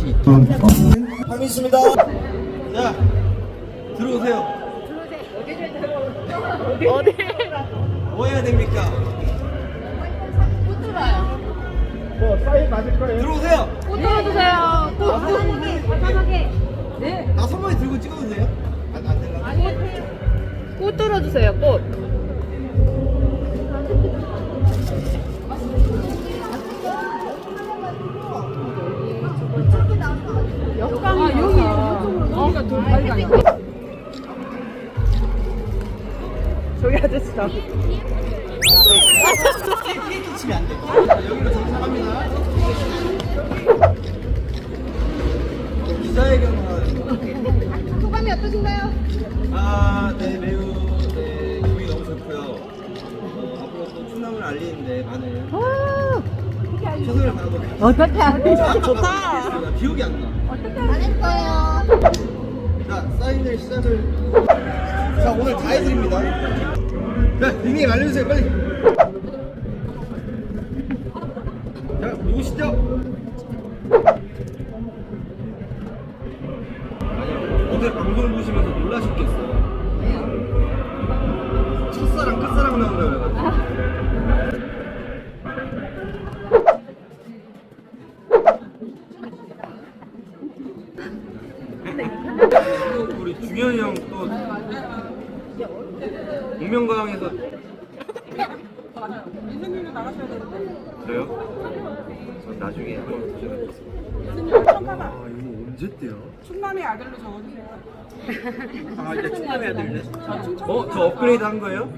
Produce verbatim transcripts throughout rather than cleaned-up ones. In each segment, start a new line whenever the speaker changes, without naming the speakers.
맛이 있도록
감 있습니다. 자, 들어오세요.
어디?
뭐 해야 됩니까?
못 들어요.
뭐 사인 맞을 거예요. 들어오세요.
못 들어주세요. 또 편하게, 편하게. 네.
나 선물이 들고 찍어도 돼요? 안, 안 될라?
아니, 꽃 들어주세요. 꽃. 역광 아, 여기 여기가 더 빨리 가. 저기 아저씨다.
케이크 치면 안 돼. 자, 여기로 정착합니다. 기자회견을
소감이 어떠신가요?
아, 네, 매우 네, 기분이 너무 좋고요. 어, 앞으로 또 충남을 알리는데 많은 최선을 다하도록
어떻게
하겠습니다.
좋다.
기억이 안 나.
어떻게 잘했어요.
자, 사인을 시작을. 자, 오늘 다 해드립니다. 자, 닉네임 알려주세요, 빨리. 자, 누구시죠? 아니요, 어제 방송 보시면서 놀라셨겠어요. 첫사랑, 끝사랑 나온다고 그래가지고. 또 우리 중현이 형 또 공명강에서
인생님도 나가셔야 되는데.
그래요? 저 나중에 한번 도전해보겠습니다.
잠깐만.
아 이거 언제 때요?
충남의 아들로 적어주세요.
아 이제 충남해야 되네. 어? 저 업그레이드 한 거예요?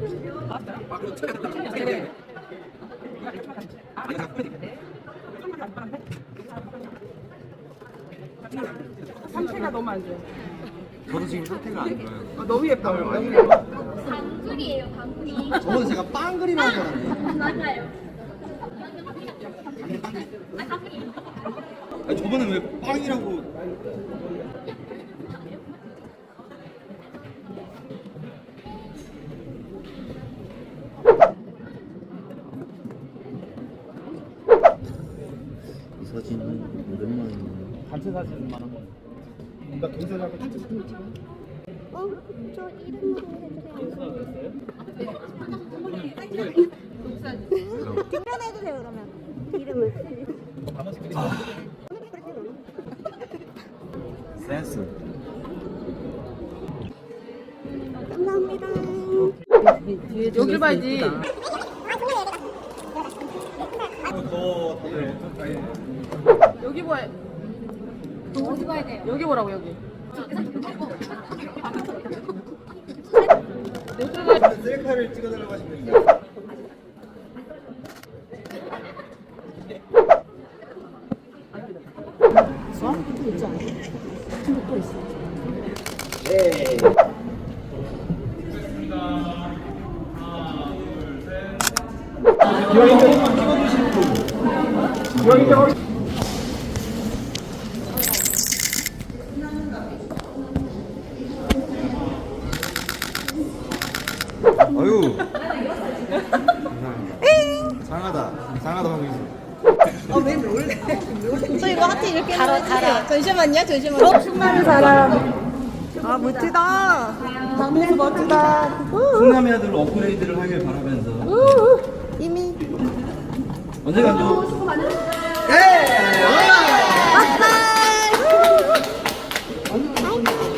상태가 너무 안 좋아요.
저도 지금 상태가 안 좋아요.
아, 너무 예뻐요. 너무 예뻐요.
방글이에요, 방글이.
저번에 제가 빵 그리는 줄 알았네.
맞아요.
아니 저번에 왜 빵이라고. 이 사진은 오랜만이네. 단체 사진만 한 거. 나 동생하고 단체 사진 찍어.
어, 저 이름으로 해주세요. 뒷면해주세요, 그러면. 이름을.
센스.
감사합니다.
여기 봐야지.
더 다들
여기 봐.
어디 봐야 돼요?
여기 보라고 여기.
셀카를 찍어달라고 하시면 네. 기왕인데 찍어주신 분. 기왕인데 아유. 상하다. 상하다 하고 있어.
저 이거 하트 이렇게 달아, 달아. 잠시만요, 잠시만요.
어, 충남의 사람. 아 멋지다. 당민수 멋지다.
충남의 아들로 업그레이드를 하길 바라면서
이미.
언제 가죠? 예!
아빠!